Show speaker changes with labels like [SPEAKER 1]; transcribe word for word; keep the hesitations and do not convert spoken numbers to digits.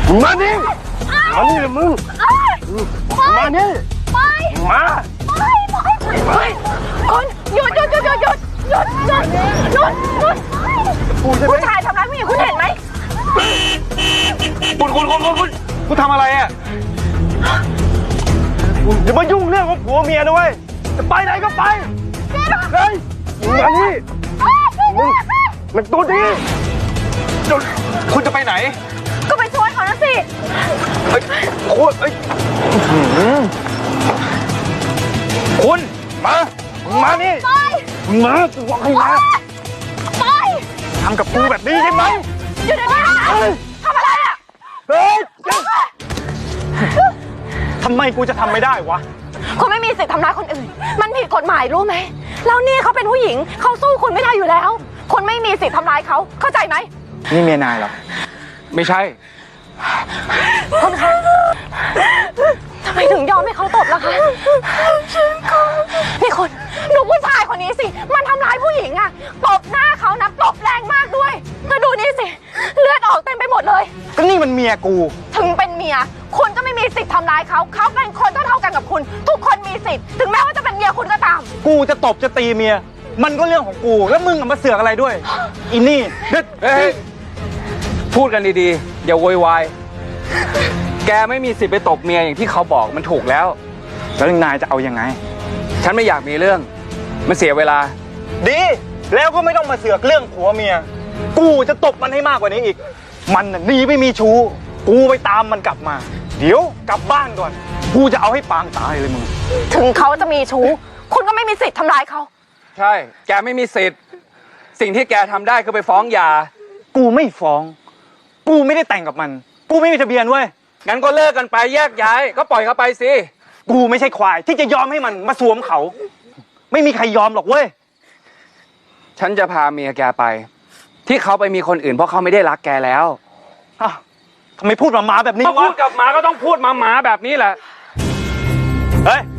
[SPEAKER 1] มาดิมานี่เลยมึงมานี่มาไป
[SPEAKER 2] คุณหยุดหยุดหยุดหยุดหยุดหยุดหยุดหยุดหยุดผู้ชายทำร้ายผู้หญิงคุณเห็นไหม
[SPEAKER 1] คุณคุณคุณคุณคุณคุณทำอะไรอ่ะอย่ามายุ่งเรื่องของผัวเมียนะเว้ยจะไปไหนก็ไปเฮ้ยมานี่มึงมันตัวดีคุณจะไปไหน
[SPEAKER 2] ก็ไปช่วยเขานะสิ
[SPEAKER 1] เฮ้ยโคตรเฮ้ยคุณมามานี่มากูบอกให้มา
[SPEAKER 2] ไป
[SPEAKER 1] ทำกับกูแบบนี้ใช่ไหม
[SPEAKER 2] อยู่เดี๋ยวนี้นะทำอะไรอ่ะ
[SPEAKER 1] เฮ้ยทำไมกูจะทำไม่ได้วะ
[SPEAKER 2] คุณไม่มีสิทธิ์ทำร้ายคนอื่นมันผิดกฎหมายรู้ไหมแล้วนี่เขาเป็นผู้หญิงเขาสู้คุณไม่ได้อยู่แล้วคุณไม่มีสิทธิ์ทำร้ายเขาเข้าใจไหม
[SPEAKER 1] นี่เมียนายเหรอไม่ใช่
[SPEAKER 2] คุณคะทำไมถึงยอมให้เขาตบล่ะคะนี่คุณดูผู้ชายคนนี้สิมันทำร้ายผู้หญิงอะตบหน้าเขานะตบแรงมากด้วยแล้วดูนี่สิเลือดออกเต็มไปหมดเลย
[SPEAKER 1] ก็นี่มันเมียกู
[SPEAKER 2] ถึงเป็นเมียคุณก็ไม่มีสิทธิ์ทำร้ายเขาเขาเป็นคนเท่าๆกันกับคุณทุกคนมีสิทธิ์ถึงแม้ว่าจะเป็นเมียคุณก็ตาม
[SPEAKER 1] กูจะตบจะตีเมียมันก็เรื่องของกูแล้วมึงมาเสือกอะไรด้วยอินนี่เด็ด
[SPEAKER 3] พูดกันดีๆอย่าโวยวายแกไม่มีสิทธิ์ไปตบเมียอย่างที่เขาบอกมันถูกแล้ว
[SPEAKER 1] แล้วนายจะเอายังไง
[SPEAKER 3] ฉันไม่อยากมีเรื่องมันเสียเวลา
[SPEAKER 1] ดีแล้วก็ไม่ต้องมาเสือกเรื่องผัวเมียกูจะตบมันให้มากกว่านี้อีกมันน่ะหนีไม่มีชู้กูไปตามมันกลับมาเดี๋ยวกลับบ้านก่อนกูจะเอาให้ปางตายเลยมึง
[SPEAKER 2] ถึงเขาจะมีชู้คุณก็ไม่มีสิทธิ์ทำร้ายเขา
[SPEAKER 3] ใช่แกไม่มีสิทธิ์สิ่งที่แกทำได้คือไปฟ้องหย่า
[SPEAKER 1] กูไม่ฟ้องกูไม่ได้แต่งกับมันกูไม่มีทะเบียนเว้ย
[SPEAKER 3] งั้นก็เลิกกันไปแยกย้ายก็ปล่อยเขาไปสิ
[SPEAKER 1] กูไม่ใช่ควายที่จะยอมให้มันมาสวมเขาไม่มีใครยอมหรอกเว้ย
[SPEAKER 3] ฉันจะพาเมียแกไปที่เขาไปมีคนอื่นเพราะเขาไม่ได้รักแกแล้ว
[SPEAKER 1] อ้าวทำไมพูดมาหมาแบบนี้วะ
[SPEAKER 3] พูดกับหมาก็ต้องพูดมาหมาแบบนี้แหละ
[SPEAKER 1] เฮ้ย